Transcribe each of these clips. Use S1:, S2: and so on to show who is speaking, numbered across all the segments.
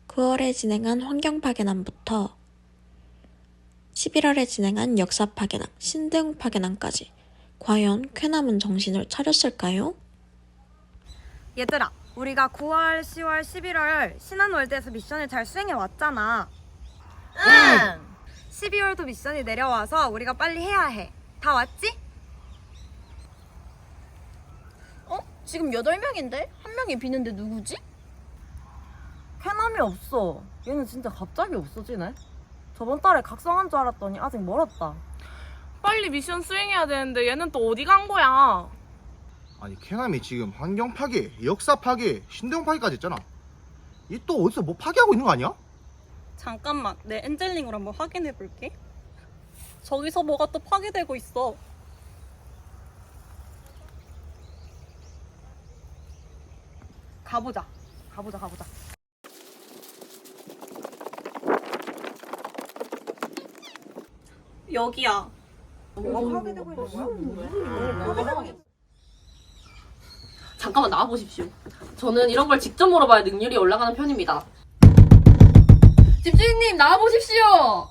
S1: 9월에 진행한 환경파괴남부터 11월에 진행한 역사파괴남, 신대웅 파괴남까지 과연 쾌남은 정신을 차렸을까요?
S2: 얘들아, 우리가 9월, 10월, 11월 신한월드에서 미션을 잘 수행해 왔잖아.
S3: 응.
S2: 12월도 미션이 내려와서 우리가 빨리 해야 해. 다 왔지?
S3: 지금 8명인데? 한 명이 비는데 누구지?
S4: 쾌남이 없어. 얘는 진짜 갑자기 없어지네. 저번 달에 각성한 줄 알았더니 아직 멀었다.
S5: 빨리 미션 수행해야 되는데 얘는 또 어디 간 거야?
S6: 아니 캐남이 지금 환경 파괴, 역사 파괴, 신대용 파괴까지 했잖아. 이 또 어디서 뭐 파괴하고 있는 거 아니야?
S7: 잠깐만, 내 엔젤링으로 한번 확인해 볼게. 저기서 뭐가 또 파괴되고 있어.
S2: 가보자.
S7: 여기야.
S2: 뭐가 파괴되고 있는 거야?
S3: 잠깐만 나와보십시오. 저는 이런 걸 직접 물어봐야 능률이 올라가는 편입니다. 집주인님 나와보십시오.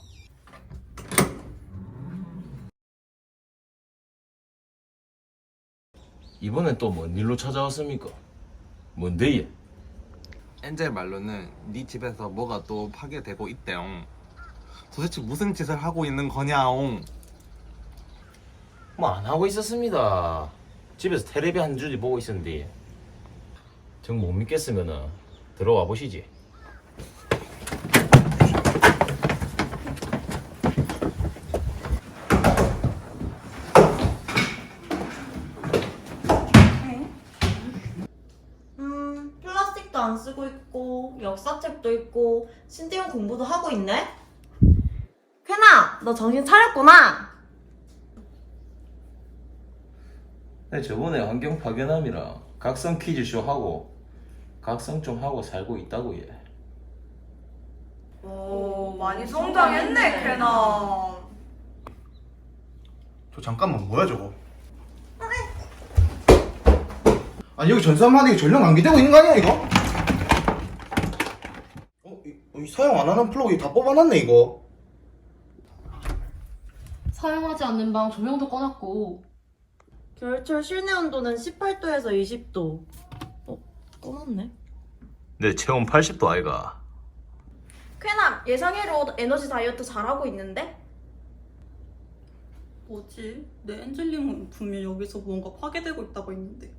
S8: 이번엔 또 뭔 일로 찾아왔습니까? 뭔데 얘?
S9: 엔젤 말로는 네 집에서 뭐가 또 파괴되고 있대용. 도대체 무슨 짓을 하고 있는 거냐옹.
S8: 뭐 안 하고 있었습니다. 집에서 텔레비 한 줄이 보고 있었는데 정 못 믿겠으면은 들어와 보시지.
S4: 플라스틱도 안 쓰고 있고 역사책도 있고 신대용 공부도 하고 있네? 쾌남, 너 정신 차렸구나.
S8: 네, 저번에 환경 파괴남이랑 각성 퀴즈쇼 하고 각성 좀 하고 살고 있다고 얘.
S2: 오, 많이 성장했네, 걔나.
S6: 저 잠깐만 뭐야 저거? 아니 여기 전산마당에 전력 낭비되고 있는 거 아니야 이거? 이 사용 안 하는 플러그 다 뽑아놨네 이거.
S3: 사용하지 않는 방 조명도 꺼놨고
S4: 겨울철 실내 온도는 18도에서 20도. 꺼놨네.
S8: 내 체온 80도 아이가.
S4: 쾌남, 예상외로 에너지 다이어트 잘하고 있는데?
S7: 뭐지? 내 엔젤링은 분명 여기서 뭔가 파괴되고 있다고 했는데.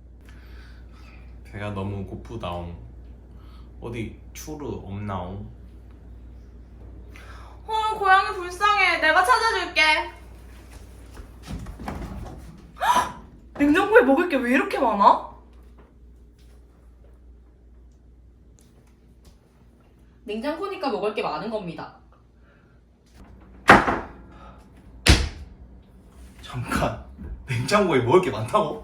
S9: 배가 너무 고프다옹. 어디 추르 없나옹?
S5: 고양이 불쌍해. 내가 찾아줄게. 냉장고에 먹을 게 왜 이렇게 많아?
S3: 냉장고니까 먹을 게 많은 겁니다.
S6: 잠깐 냉장고에 먹을 게 많다고?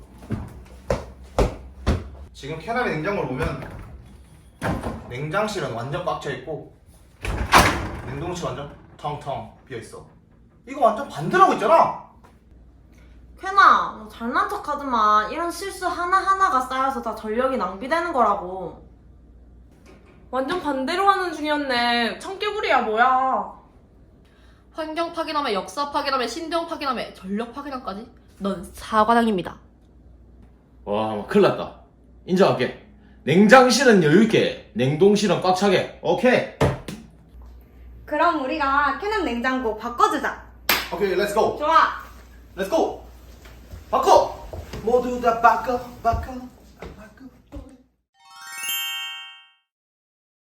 S6: 지금 캐남의 냉장고를 보면 냉장실은 완전 꽉 차 있고 냉동실 완전 텅텅 비어 있어. 이거 완전 반대라고 있잖아.
S4: 쾌남, 너 잘난 척 하지마. 이런 실수 하나하나가 쌓여서 다 전력이 낭비되는 거라고.
S5: 완전 반대로 하는 중이었네. 청개구리야 뭐야?
S3: 환경 파괴남에 역사 파괴남에 신대용 파괴남에 전력 파괴남까지 넌 사과당입니다.
S8: 와, 큰일 났다. 인정할게. 냉장실은 여유있게, 냉동실은 꽉 차게. 오케이.
S2: 그럼 우리가 쾌남 냉장고 바꿔주자.
S6: 오케이, 렛츠고.
S2: 좋아.
S6: 렛츠고. 바꿔. 모두 다 바꿔.